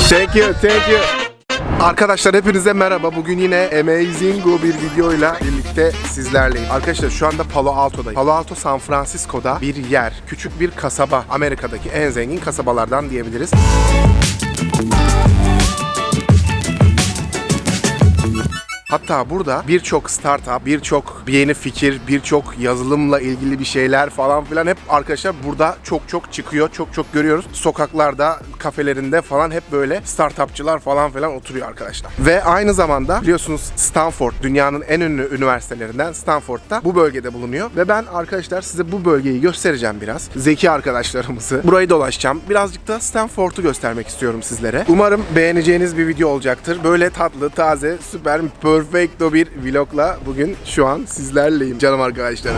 Thank you, thank you. Arkadaşlar hepinize merhaba. Bugün yine amazing bir videoyla birlikte sizlerleyim. Arkadaşlar şu anda Palo Alto'dayım. Palo Alto San Francisco'da bir yer. Küçük bir kasaba. Amerika'daki en zengin kasabalardan diyebiliriz. Hatta burada birçok startup, birçok yeni fikir, birçok yazılımla ilgili bir şeyler falan filan hep arkadaşlar burada çok çıkıyor. Çok görüyoruz. Sokaklarda, kafelerinde falan hep böyle startupçılar falan filan oturuyor arkadaşlar. Ve aynı zamanda biliyorsunuz Stanford dünyanın en ünlü üniversitelerinden Stanford'da bu bölgede bulunuyor. Ve ben arkadaşlar size bu bölgeyi göstereceğim biraz. Zeki arkadaşlarımızı. Burayı dolaşacağım. Birazcık da Stanford'u göstermek istiyorum sizlere. Umarım beğeneceğiniz bir video olacaktır. Böyle tatlı, taze, süper, perfecto bir vlogla bugün şu an sizlerleyim canım arkadaşlarım.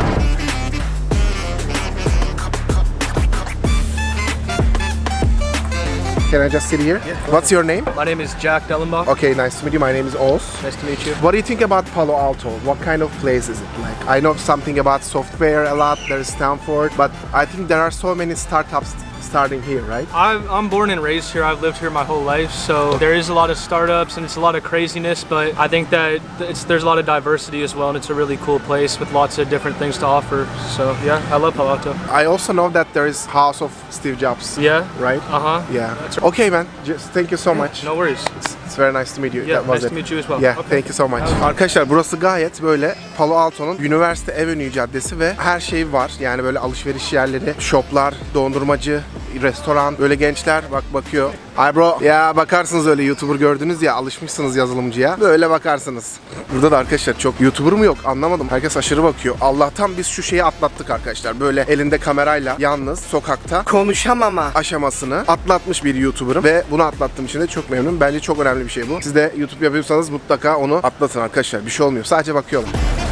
Can I just sit here? Yeah. What's your name? My name is Jack Dellenbach. Okay, nice to meet you. My name is Oz. Nice to meet you. What do you think about Palo Alto? What kind of place is it like? I know something about software a lot. There's Stanford, but I think there are so many startups starting here, right? I'm born and raised here. I've lived here my whole life, so there is a lot of startups and it's a lot of craziness, but I think that there's a lot of diversity as well, and it's a really cool place with lots of different things to offer. So yeah, I love Palo Alto. I also know that there is House of Steve Jobs. Yeah. Right? Uh-huh. Yeah. That's right. Okay, man. Just thank you so much. No worries. It's very nice to meet you. Yeah, That was nice it. to meet you as well. Yeah, Okay. thank you so much. Arkadaşlar burası gayet böyle Palo Alto'nun Üniversite Avenue Caddesi ve her şey var. Yani böyle alışveriş yerleri, shoplar, dondurmacı, restoran, böyle gençler bakıyor. Hi bro. Ya bakarsınız öyle YouTuber gördünüz ya, alışmışsınız yazılımcıya. Böyle bakarsınız. Burada da arkadaşlar çok YouTuber mu yok anlamadım. Herkes aşırı bakıyor. Allah'tan biz şu şeyi atlattık arkadaşlar. Böyle elinde kamerayla yalnız sokakta konuşamama aşamasını atlatmış bir YouTuber'ım ve bunu atlattığım için de çok memnunum. Bence çok önemli bir şey bu. Siz de YouTube yapıyorsanız mutlaka onu atlatın arkadaşlar. Bir şey olmuyor. Sadece bakıyorlar.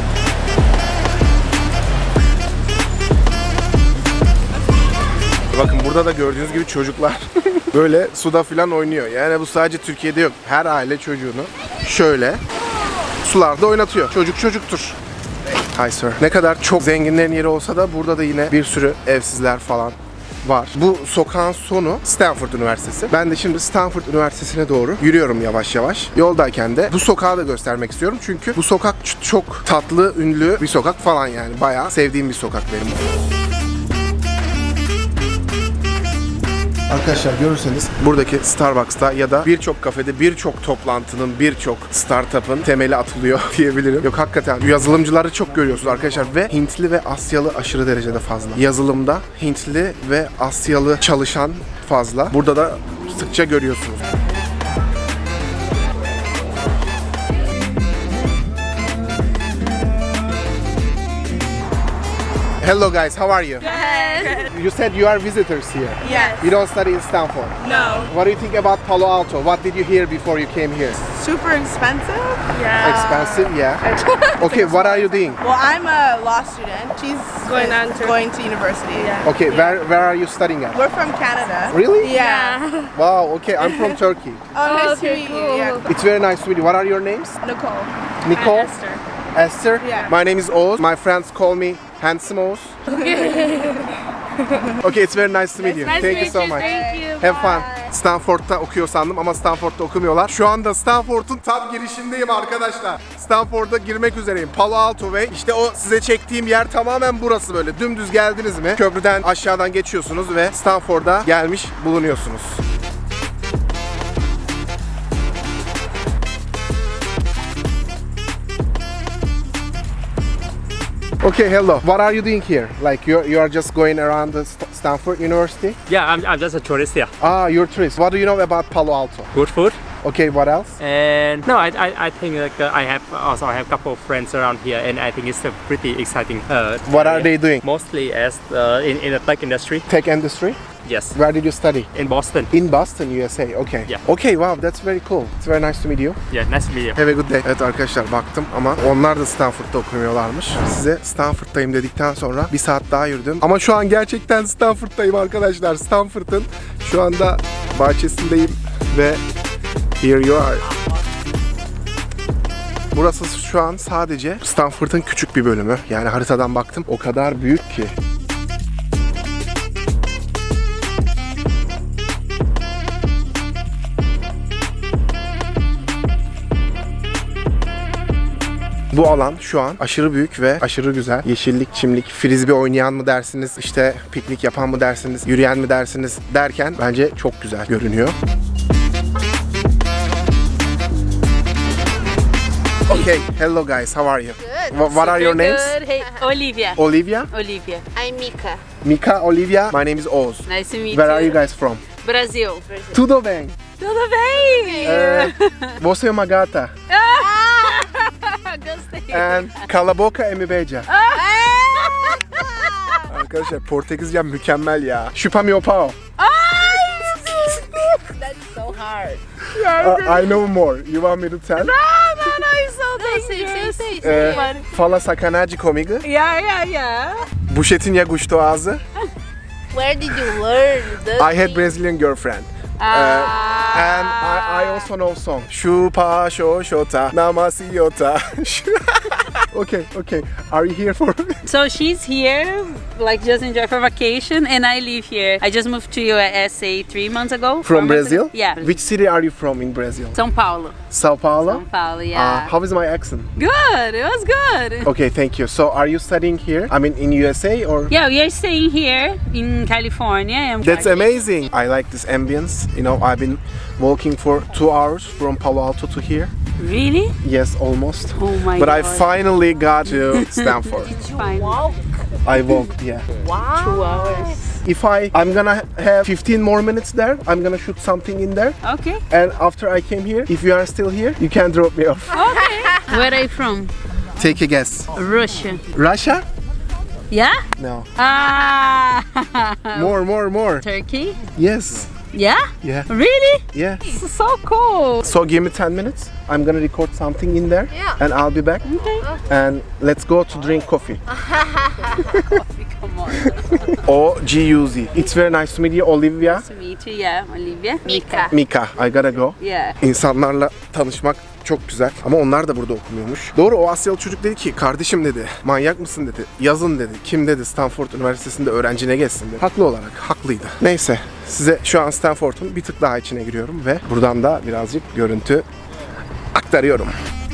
Bakın burada da gördüğünüz gibi çocuklar böyle suda filan oynuyor. Yani bu sadece Türkiye'de yok. Her aile çocuğunu şöyle sularda oynatıyor. Çocuk çocuktur. Hi sir. Ne kadar çok zenginlerin yeri olsa da burada da yine bir sürü evsizler falan var. Bu sokağın sonu Stanford Üniversitesi. Ben de şimdi Stanford Üniversitesi'ne doğru yürüyorum yavaş yavaş. Yoldayken de bu sokağı da göstermek istiyorum. Çünkü bu sokak çok tatlı, ünlü bir sokak falan yani. Bayağı sevdiğim bir sokak benim. Arkadaşlar görürseniz buradaki Starbucks'ta ya da birçok kafede birçok toplantının, birçok startup'ın temeli atılıyor diyebilirim. Yok hakikaten yazılımcıları çok görüyorsunuz arkadaşlar ve Hintli ve Asyalı aşırı derecede fazla. Yazılımda Hintli ve Asyalı çalışan fazla. Burada da sıkça görüyorsunuz. Hello guys, how are you? Good. You said you are visitors here. Yes. You don't study in Stanford. No. What do you think about Palo Alto? What did you hear before you came here? Super expensive? Yeah. Expensive, yeah. Okay, what are you doing? Well, I'm a law student. She's going to university. Yeah. Okay, where are you studying at? We're from Canada. Really? Yeah. Wow, okay, I'm from Turkey. Oh, nice to meet you. Yeah. It's very nice to meet you. What are your names? Nicole. Nicole? Esther. Esther? Yeah. My name is Oz. My friends call me Handsome Oz. Okay, it's very nice to meet you. Thank you so much. Thank you. Have fun. Stanford'da okuyor sandım ama Stanford'da okumuyorlar. Şu anda Stanford'un tam girişindeyim arkadaşlar. Stanford'a girmek üzereyim. Palo Alto Way. İşte o size çektiğim yer tamamen burası böyle. Dümdüz geldiniz mi? Köprüden aşağıdan geçiyorsunuz ve Stanford'a gelmiş bulunuyorsunuz. Okay, hello. What are you doing here? Like you are just going around the Stanford University? Yeah, I'm just a tourist here. Ah, you're a tourist. What do you know about Palo Alto? Good food. Okay, what else? And no, I think like I have a couple of friends around here, and I think it's a pretty exciting. What are they doing? Mostly as in the tech industry. Tech industry? Yes. Where did you study? In Boston. In Boston, USA. Okay. Yeah. Okay, wow, that's very cool. It's very nice to meet you. Yeah, nice to meet you. Have a good day. Evet arkadaşlar baktım ama onlar da Stanford'da okumuyorlarmış. Size Stanford'dayım dedikten sonra bir saat daha yürüdüm. Ama şu an gerçekten Stanford'dayım arkadaşlar. Stanford'ın şu anda bahçesindeyim ve here you are. Burası şu an sadece Stanford'ın küçük bir bölümü. Yani haritadan baktım o kadar büyük ki. Bu alan şu an aşırı büyük ve aşırı güzel. Yeşillik, çimlik, frisbee oynayan mı dersiniz, işte piknik yapan mı dersiniz, yürüyen mi dersiniz derken bence çok güzel görünüyor. Okay, hello guys, how are you? Good. What are your names? Good. Hey, Olivia. Olivia? Olivia. I'm Mika. Mika, Olivia. My name is Oz. Nice to meet Where you. are you guys from? Brazil. Tudo bem. Tudo bem? Você é uma gata. Gostei. And Calaboca Emibeja. Arkadaşlar Portekizcem mükemmel ya. Chupa meu pau. That's so hard. I know more. You want me to tell? No, it's so Say. Fala sacanagem comigo. Yeah. Buchetinha gostoso ağzı. Where did you learn? I had Brazilian girlfriend. And I also know song. Chupa xoxota namasiota. Okay. Are you here for? So she's here, like just enjoy for vacation, and I live here. I just moved to USA 3 months ago. From 4 months Brazil? ago. Yeah. Which city are you from in Brazil? São Paulo. Sao Paulo? São Paulo, yeah. How is my accent? Good. It was good. Okay, thank you. So are you studying here? I mean in USA or? Yeah, we are staying here in California. And That's amazing. I like this ambience. You know, I've been walking for 2 hours from Palo Alto to here. Really? Yes, almost. Oh my But god. I finally got to Stanford. Fine. I walked, yeah. Wow. 2 hours. If I'm gonna have 15 more minutes there, I'm gonna shoot something in there. Okay. And after I came here, if you are still here, you can drop me off. Okay. Where are you from? Take a guess. Russia. Russia? Yeah? No. Ah. More. Turkey? Yes. Yeah? Yeah. Really? Yeah. So cool. So give me 10 minutes. I'm gonna record something in there. Yeah. And I'll be back. Okay. And let's go to drink coffee. Come on. O-G-U-Z. It's very nice to meet you, Olivia. Nice to meet you. Yeah, Olivia. Mika. Mika, I gotta go. Yeah. İnsanlarla tanışmak çok güzel ama onlar da burada okumuyormuş. Doğru, o Asyalı çocuk dedi ki kardeşim dedi, manyak mısın dedi, yazın dedi, kim dedi Stanford Üniversitesi'nde öğrenci ne geçsin dedi. Haklı olarak, haklıydı. Neyse, size şu an Stanford'un bir tık daha içine giriyorum ve buradan da birazcık görüntü aktarıyorum.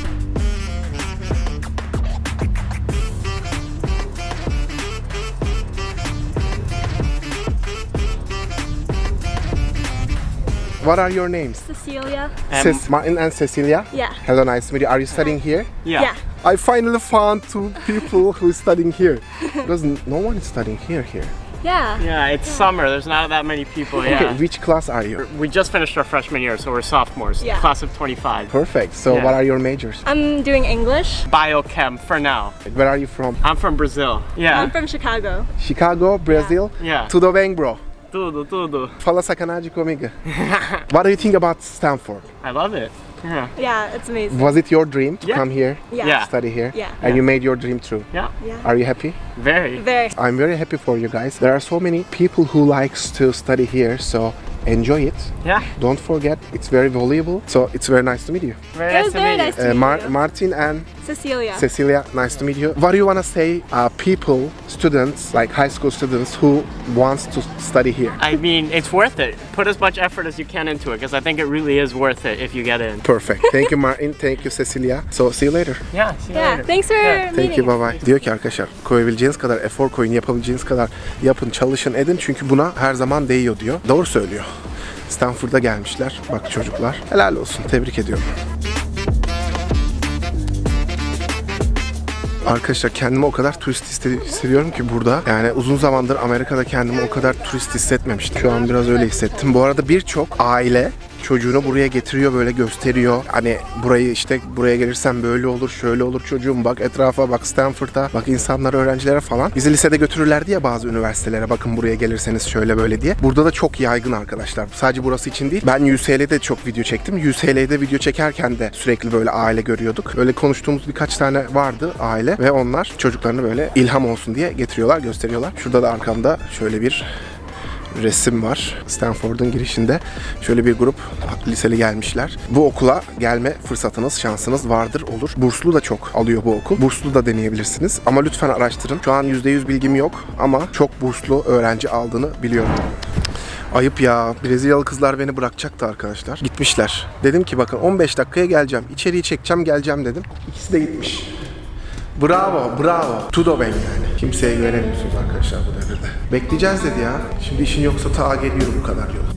What are your names? Cecilia. Martin and Cecilia? Yeah. Hello, nice to meet you. Are you studying here? Yeah. I finally found 2 people who is studying here. Because no one is studying here. Yeah. Yeah, it's summer. There's not that many people. Okay, Yeah. which class are you? We just finished our freshman year, so we're sophomores. Yeah. Class of 25. Perfect. So Yeah. what are your majors? I'm doing English. Biochem for now. Where are you from? I'm from Brazil. Yeah. I'm from Chicago. Chicago, Brazil? Yeah. Tudo bem, bro? Tudo. Fala sacanagem comigo. What do you think about Stanford? I love it. Yeah. Yeah, it's amazing. Was it your dream to Yeah. come here, Yeah. Yeah. study here? Yeah. And you made your dream true. Yeah. Yeah. Are you happy? Very. Very. I'm very happy for you guys. There are so many people who likes to study here, so enjoy it. Yeah. Don't forget, it's very valuable. So it's very nice to meet you. Very It nice was to very meet nice you. to meet you. Martin and Cecilia. Cecilia, nice to meet you. What do you want to say people, students, like high school students who wants to study here? I mean, it's worth it. Put as much effort as you can into it, because I think it really is worth it if you get in. Perfect. Thank you Martin, thank you Cecilia. So see you later. Yeah. See you Yeah. later. Thanks for Thank meeting. you, bye bye. Diyor ki arkadaşlar, koyabileceğiniz kadar efor koyun, yapabileceğiniz kadar yapın, çalışın, edin çünkü buna her zaman değiyor diyor. Doğru söylüyor. Stanford'a gelmişler. Bak çocuklar. Helal olsun. Tebrik ediyorum. Arkadaşlar kendimi o kadar turist hissediyorum ki burada. Yani uzun zamandır Amerika'da kendimi o kadar turist hissetmemiştim. Şu an biraz öyle hissettim. Bu arada birçok aile çocuğunu buraya getiriyor, böyle gösteriyor. Hani burayı işte buraya gelirsen böyle olur, şöyle olur çocuğum, bak etrafa, bak Stanford'a, bak insanlara, öğrencilere falan. Bizi lisede götürürlerdi ya bazı üniversitelere, bakın buraya gelirseniz şöyle böyle diye. Burada da çok yaygın arkadaşlar. Sadece burası için değil. Ben UCLA'de çok video çektim. UCLA'de video çekerken de sürekli böyle aile görüyorduk. Öyle konuştuğumuz birkaç tane vardı aile ve onlar çocuklarını böyle ilham olsun diye getiriyorlar, gösteriyorlar. Şurada da arkamda şöyle bir resim var. Stanford'un girişinde şöyle bir grup liseli gelmişler. Bu okula gelme fırsatınız, şansınız vardır, olur. Burslu da çok alıyor bu okul. Burslu da deneyebilirsiniz. Ama lütfen araştırın. Şu an %100 bilgim yok ama çok burslu öğrenci aldığını biliyorum. Ayıp ya. Brezilyalı kızlar beni bırakacaktı arkadaşlar. Gitmişler. Dedim ki bakın 15 dakikaya geleceğim. İçeriği çekeceğim, geleceğim dedim. İkisi de gitmiş. Bravo, bravo. Tudo ben yani. Kimseye güvenemiyorsunuz arkadaşlar bu devirde. Bekleyeceğiz dedi ya. Şimdi işin yoksa ta geliyorum bu kadar yol.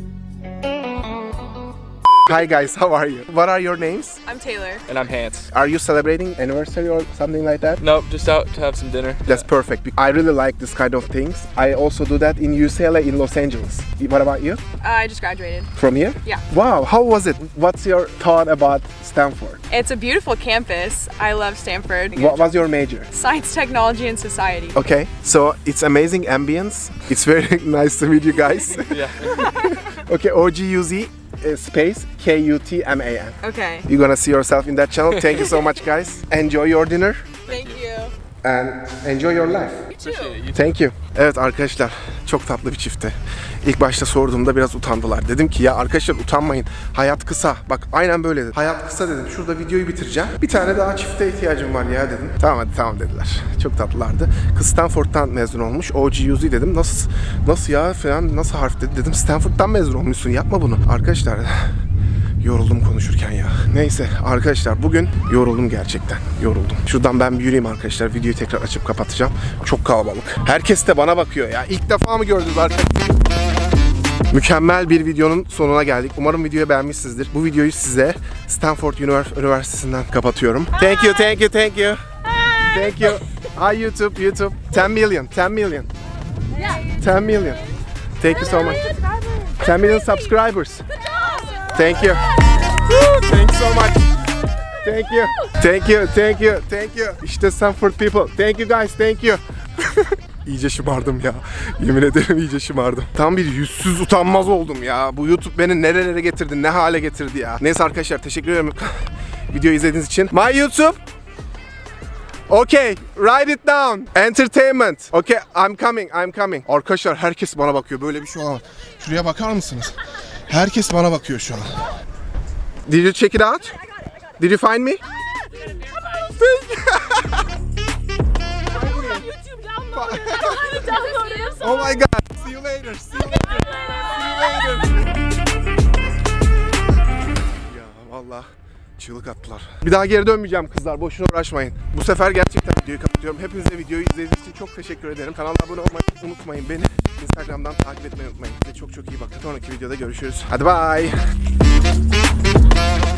Hi guys, how are you? What are your names? I'm Taylor. And I'm Hans. Are you celebrating anniversary or something like that? Nope, just out to have some dinner. That's perfect. I really like this kind of things. I also do that in UCLA in Los Angeles. What about you? I just graduated. From here? Yeah. Wow, how was it? What's your thought about Stanford? It's a beautiful campus. I love Stanford. What was your major? Science, technology, and society. Okay, so it's amazing ambience. It's very nice to meet you guys. Yeah. Okay, OGUZ space KUTMAN. Okay. You're gonna see yourself in that channel. Thank you so much, guys. Enjoy your dinner Thank you. and enjoy your life. Appreciate it. Thank you. Evet arkadaşlar, çok tatlı bir çifti. İlk başta sorduğumda biraz utandılar. Dedim ki ya arkadaşlar utanmayın. Hayat kısa. Bak aynen böyle dedim. Hayat kısa dedim. Şurada videoyu bitireceğim. Bir tane daha çifte ihtiyacım var ya dedim. Tamam hadi tamam dediler. Çok tatlılardı. Kız Stanford'dan mezun olmuş. OGUZ dedim. Nasıl ya falan nasıl harf dedi. Dedim Stanford'dan mezun olmuşsun. Yapma bunu. Arkadaşlar yoruldum konuşurken ya. Neyse arkadaşlar bugün yoruldum gerçekten. Yoruldum. Şuradan ben bir yürüyeyim arkadaşlar. Videoyu tekrar açıp kapatacağım. Çok kalabalık. Herkes de bana bakıyor ya. İlk defa mı gördünüz arkadaşlar? Mükemmel bir videonun sonuna geldik. Umarım videoyu beğenmişsinizdir. Bu videoyu size Stanford Üniversitesi'nden kapatıyorum. Thank you, thank you, thank you. Thank you. Hi YouTube. 10 million. 10 million. 10 million. Thank you so much. 10 million subscribers. Thank you. Thank you so much. Thank you. Thank you, thank you, thank you. İşte Stanford people. Thank you guys, thank you. İyice şımardım ya. Yemin ederim iyice şımardım. Tam bir yüzsüz utanmaz oldum ya. Bu YouTube beni nerelere getirdi, ne hale getirdi ya. Neyse arkadaşlar teşekkür ederim videoyu izlediğiniz için. My YouTube. Okay, write it down. Entertainment. Okay, I'm coming. Arkadaşlar herkes bana bakıyor. Böyle bir şey olamaz. Şuraya bakar mısınız? Herkes bana bakıyor şu an. Did you check it out? Did you find me? Oh my god. See you later. Ya vallahi çığlık attılar. Bir daha geri dönmeyeceğim kızlar. Boşuna uğraşmayın. Bu sefer gerçekten videoyu kapatıyorum. Hepinize videoyu izlediğiniz için çok teşekkür ederim. Kanala abone olmayı unutmayın. Beni Instagram'dan takip etmeyi unutmayın. Size çok iyi bakın. Sonraki videoda görüşürüz. Hadi bye.